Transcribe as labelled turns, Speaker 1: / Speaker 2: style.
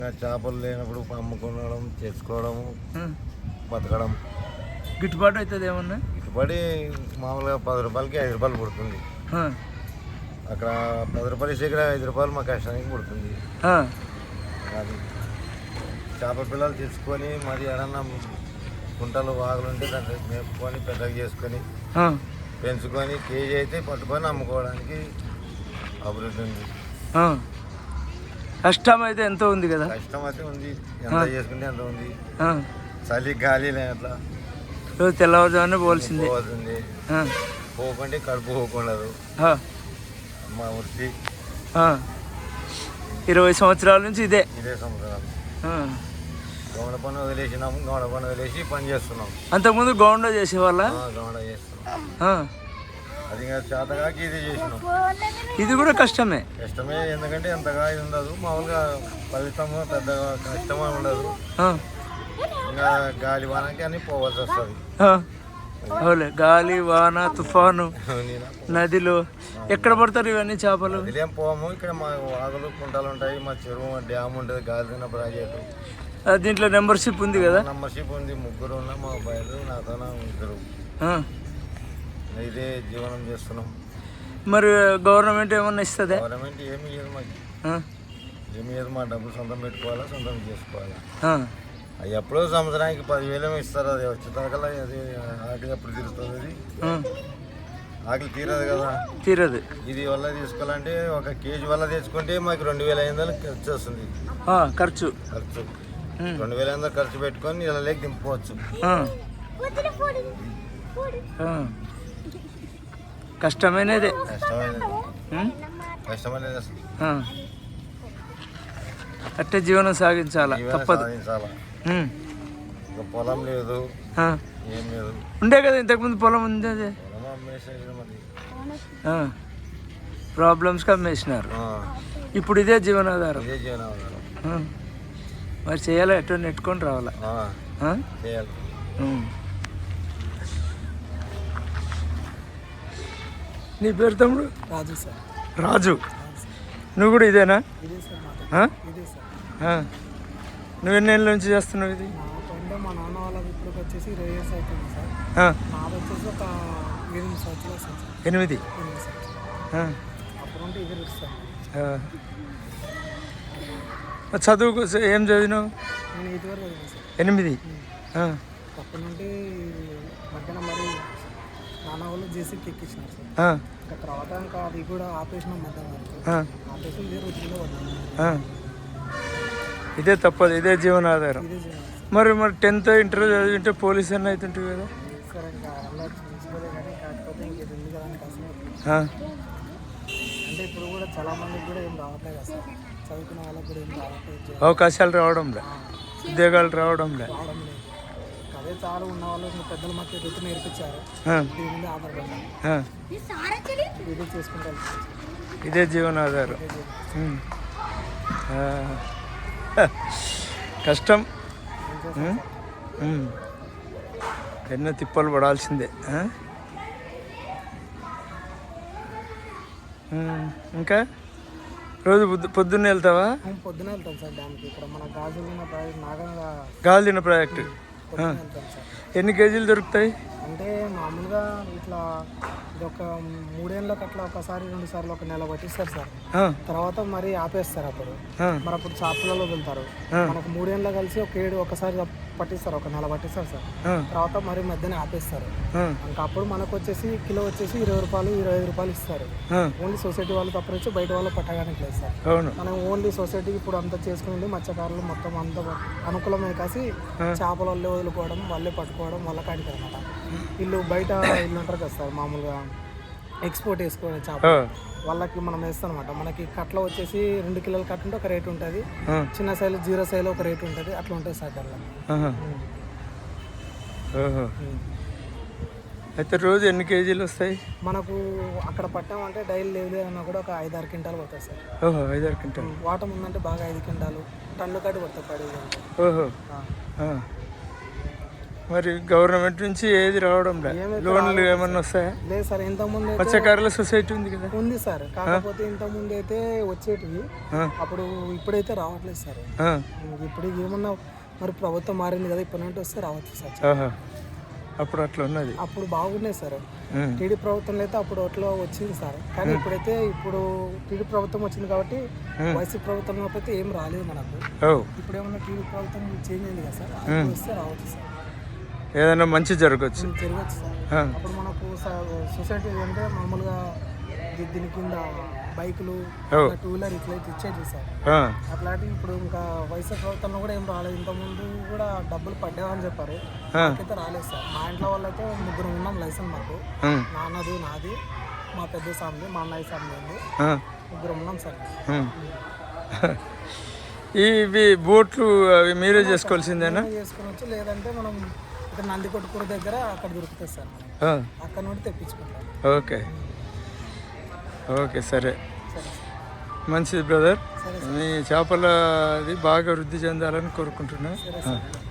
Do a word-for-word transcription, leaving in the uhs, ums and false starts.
Speaker 1: చేపలు లేనప్పుడు అమ్ముకోవడం చేసుకోవడం బతకడం.
Speaker 2: గిట్టుబాటు అవుతుంది ఏమన్నా?
Speaker 1: గిట్టుబడి మామూలుగా పది రూపాయలకి ఐదు రూపాయలు పుడుతుంది. అక్కడ పది రూపాయలు ఇస్తే ఇక్కడ ఐదు రూపాయలు మా కష్టానికి పుడుతుంది. అది చేప పిల్లలు తెచ్చుకొని మరి ఏడన్నా కుంటలు వాగులు ఉంటే దాంట్లో మేపుకొని పెద్దగా చేసుకొని పెంచుకొని కేజీ అయితే పట్టుకొని అమ్ముకోవడానికి అభివృద్ధి ఉంది.
Speaker 2: కష్టం అయితే ఎంత ఉంది కదా?
Speaker 1: కష్టం అయితే ఉంది, ఎంత చేసుకుంటే ఎంత ఉంది. చలి గాలి అట్లా
Speaker 2: రోజు తెల్లవారుజామునే పోవాల్సింది.
Speaker 1: పోతుంది పోకుంటే కడుపు పోకూడదు. మా వృత్తి
Speaker 2: ఇరవై సంవత్సరాల నుంచి ఇదే
Speaker 1: ఇదే సంవత్సరాలు గౌడ పని వదిలేసినాము. గౌడ పని వదిలేసి పని చేస్తున్నాం.
Speaker 2: అంతకుముందు గౌండ చేసేవాళ్ళ?
Speaker 1: గౌడ చేస్తున్నాం. అది చేతగాకి ఇది చేసినాం.
Speaker 2: ఇది కూడా కష్టమే.
Speaker 1: కష్టమే ఎందుకంటే ఎంతగా ఇది ఉండదు. మామూలుగా ఫలితము పెద్దగా కష్టమే ఉండదు. ఇంకా గాలి వానకి అని పోవాల్సి వస్తుంది.
Speaker 2: అవులే, గాలి వాన తుఫాను నదిలో ఎక్కడ పడతారు ఇవన్నీ చేపలు?
Speaker 1: ఇదేం పోము. ఇక్కడ మా వాగులు కుంటలు ఉంటాయి, మా చెరువు డ్యామ్ ఉంటుంది, గాలిదిన ప్రాజెక్టు.
Speaker 2: దీంట్లో మెంబర్షిప్ ఉంది కదా?
Speaker 1: మెంబర్షిప్ ఉంది. ముగ్గురు ఉన్న మా అబ్బాయిలు నాతో ఇద్దరు ఇదే జీవనం చేస్తున్నాం.
Speaker 2: మరి గవర్నమెంట్ ఏమన్నా ఇస్తుందా?
Speaker 1: గవర్నమెంట్ ఏమి ఇయ్యదు మాకు. ఏమి ఇయ్యదు. మా డబ్బులు సొంతం పెట్టుకోవాలా, సొంతం చేసుకోవాలా. అవి ఎప్పుడో సంవత్సరానికి పదివేలు ఏమో ఇస్తారు. అది వచ్చే తరగల అది ఆకలి ఎప్పుడు తీరుతుంది. అది ఆకలి తీరదు కదా,
Speaker 2: తీరదు.
Speaker 1: ఇది వల్ల తీసుకోవాలంటే ఒక కేజీ వల్ల తెచ్చుకుంటే మాకు రెండు వేల ఐదు వందలు ఖర్చు వస్తుంది.
Speaker 2: ఖర్చు
Speaker 1: ఖర్చు రెండు వేల ఐదు వందలు ఖర్చు పెట్టుకొని ఇలా లేక దింపుకోవచ్చు.
Speaker 2: కష్టమైనదే.
Speaker 1: కష్టమైనది కష్టమైనది అసలు.
Speaker 2: అట్టే జీవనం సాగించాలా, తప్పదు.
Speaker 1: సాగించాలా. పొలం లేదు, ఏం లేదు.
Speaker 2: ఉండే కదా ఇంతకుముందు పొలం ఉంది. అదే ప్రాబ్లమ్స్కి అమ్మేసినారు. ఇప్పుడు ఇదే జీవనాధారం.
Speaker 1: ఇదే జీవనాధారం.
Speaker 2: మరి చేయాలా, ఎటో నెట్టుకొని రావాలా.
Speaker 1: చేయాలి.
Speaker 2: నీ పేరు తమ్ముడు?
Speaker 3: రాజు సార్.
Speaker 2: రాజు, నువ్వు కూడా ఇదేనా? నువ్వు ఎన్ని ఏళ్ళ నుంచి చేస్తున్నావు ఇది?
Speaker 3: నాకంటే మా నాన్న వాళ్ళకి ఇప్పుడు వచ్చేసి ఇరవై ఇయర్స్ అవుతుంది సార్. నాది వచ్చేసి ఒక ఎనిమిది సంవత్సరాలు సార్.
Speaker 2: ఎనిమిది
Speaker 3: ఎనిమిది సంవత్సరాలు అప్పుడు ఉంటే ఇది సార్.
Speaker 2: చదువుకు ఏం చదివినావు?
Speaker 3: నేను ఇది వరకు చదివాను సార్.
Speaker 2: ఎనిమిది.
Speaker 3: అప్పటి నుండి మధ్యాహ్నం మరి నాన్న వాళ్ళు జేసీకి ఎక్కించినారు సార్. తర్వాత ఇంకా అది కూడా ఆపేసిన మధ్యాహ్నం ఆపేసి ఇదే రోజుల్లో పడ్డాను.
Speaker 2: ఇదే తప్పదు, ఇదే జీవనాధారం.
Speaker 3: ఇదే జీవనం.
Speaker 2: మరి మరి టెన్త్ ఇంటర్ చదివింటే పోలీస్ అన్న అవుతుంటుంది కదా?
Speaker 3: సార్ ఇంకా అలా చూసుకోలే కానీ కాకపోతే ఇంకేది ఉంది కదా అని కాసం. అంటే ఇప్పుడు కూడా చాలా మందికి కూడా ఏం రావట్లేదు కదా సార్. చదువుకున్న వాళ్ళకి కూడా ఏం రావట్లేదు.
Speaker 2: అవకాశాలు రావడంలే, ఉద్యోగాలు రావడంలే.
Speaker 3: రావడం లేదు. అదే చాలా ఉన్న వాళ్ళు పెద్దలు మాకు ఎదుగుతూ నేర్పించారు. దీని మీద ఆధారపడ్డాను. ఇదే చేసుకుంటాను.
Speaker 2: ఇదే జీవనాధారం. కష్టం, ఎన్నో తిప్పలు పడాల్సిందే. ఇంకా రోజు పొద్దు పొద్దున్నే వెళ్తావా?
Speaker 3: పొద్దున వెళ్తాం సార్ డ్యామ్కి. ఇక్కడ మన గాజులిన ప్రాజెక్ట్ నాగంగా
Speaker 2: గాజులిన ప్రాజెక్టు. ఎన్ని కేజీలు దొరుకుతాయి?
Speaker 3: అంటే మామూలుగా ఇట్లా ఇది ఒక మూడేళ్ళకి అట్లా ఒకసారి రెండు సార్లు ఒక నెల పట్టిస్తారు సార్. తర్వాత మరి ఆపేస్తారు. అప్పుడు మరి అప్పుడు చేపలలో వెళ్తారు. మనకు మూడేళ్ళ కలిసి ఒక ఏడు ఒకసారి పట్టిస్తారు, ఒక నెల పట్టిస్తారు సార్. తర్వాత మరి మధ్యనే ఆపేస్తారు. ఇంకా అప్పుడు మనకు వచ్చేసి కిలో వచ్చేసి ఇరవై రూపాయలు ఇరవై ఐదు రూపాయలు ఇస్తారు. ఓన్లీ సొసైటీ వాళ్ళు తప్ప వచ్చి బయట వాళ్ళు పట్టడానికి లేదు సార్. మనం ఓన్లీ సొసైటీకి ఇప్పుడు అంతా చేసుకుని మత్స్యకారులు మొత్తం అంత అనుకూలమే కాసి చేపలు వాళ్ళే వదులుకోవడం, వాళ్ళే పట్టుకోవడం వాళ్ళ కాడికి అనమాట. వీళ్ళు బయట ఇల్లు ఉంటారు కదా సార్, మామూలుగా ఎక్స్పోర్ట్ వేసుకోవడం చేప వాళ్ళకి మనం వేస్తాం అనమాట. మనకి కట్ల వచ్చేసి రెండు కిలోల కట్ట ఉంటే ఒక రేట్ ఉంటుంది, చిన్న సైజు జీరో సైజు ఒక రేట్ ఉంటుంది, అట్లా ఉంటుంది సార్. అట్లా
Speaker 2: అయితే రోజు ఎన్ని కేజీలు వస్తాయి
Speaker 3: మనకు? అక్కడ పట్టామంటే డైలీ లేదు అన్నా కూడా ఒక ఐదారు క్వింటాలు పడతాయి సార్.
Speaker 2: ఓహో, ఐదారు క్వింటాలు.
Speaker 3: వాటం ఉందంటే బాగా ఐదు క్వింటాలు టన్ను కాటి పడతాయి పడి.
Speaker 2: ఓహో, మరి గవర్నమెంట్ నుంచి ఏది రావడం లేదు, లోన్లు ఏమన్నా వస్తాయా?
Speaker 3: లేదు సార్, ఇంతకుముందు అయితే
Speaker 2: మత్స్యకారుల సొసైటీ ఉంది కదా.
Speaker 3: ఉంది సార్, కాకపోతే ఇంతకుముందు అయితే వచ్చేటివి, అప్పుడు ఇప్పుడైతే రావట్లేదు సార్. ఇప్పుడు ఏమన్నా మరి ప్రభుత్వం మారింది కదా, ఇప్పటి నుండి వస్తే రావచ్చు సార్.
Speaker 2: ఆహా. అప్పుడు అట్లా ఉన్నది,
Speaker 3: అప్పుడు బాగున్నాయి సార్. టీడీ ప్రభుత్వంలో అయితే అప్పుడు అట్లా వచ్చింది సార్, కానీ ఇప్పుడైతే ఇప్పుడు టీడీ ప్రభుత్వం వచ్చింది కాబట్టి వైసీపీ ప్రభుత్వం అయితే ఏం రాలేదు మనకు. ఇప్పుడు ఏమన్నా టీడీ ప్రభుత్వం చేంజ్ అయింది కదా సార్, అప్పుడు వస్తే రావచ్చు సార్,
Speaker 2: ఏదైనా మంచి జరగచ్చు
Speaker 3: జరగచ్చు సార్. అప్పుడు మనకు సొసైటీ అంటే మామూలుగా దీ- దీని కింద బైకులు, టూ వీలర్ ఇట్లా ఇచ్చేది సార్. అట్లాంటివి ఇప్పుడు ఇంకా వైసీపీ ప్రభుత్వంలో కూడా ఏం రాలేదు. ఇంతకుముందు కూడా డబ్బులు పడ్డామని చెప్పారు, నాకైతే రాలేదు సార్. మా ఇంట్లో వాళ్ళైతే ముగ్గురు ఉన్నాం లైసెన్స్, మాకు నాన్నది, నాది, మా పెద్ద సామ్ది, మా అన్నయ్య సామ్ది ఉంది, ముగ్గురు ఉన్నాం సార్.
Speaker 2: ఇవి బోట్లు అవి మీరే చేసుకోవాల్సిందేనా?
Speaker 3: చేసుకోవచ్చు, లేదంటే మనం ఇక్కడ నందికొట్కూరు దగ్గర అక్కడ దొరుకుతుంది సార్, అక్కడ నుండి తెప్పించుకుంటాం.
Speaker 2: ఓకే ఓకే సరే, మంచిది బ్రదర్. మీ చేపల అది బాగా వృద్ధి చెందాలని కోరుకుంటున్నా.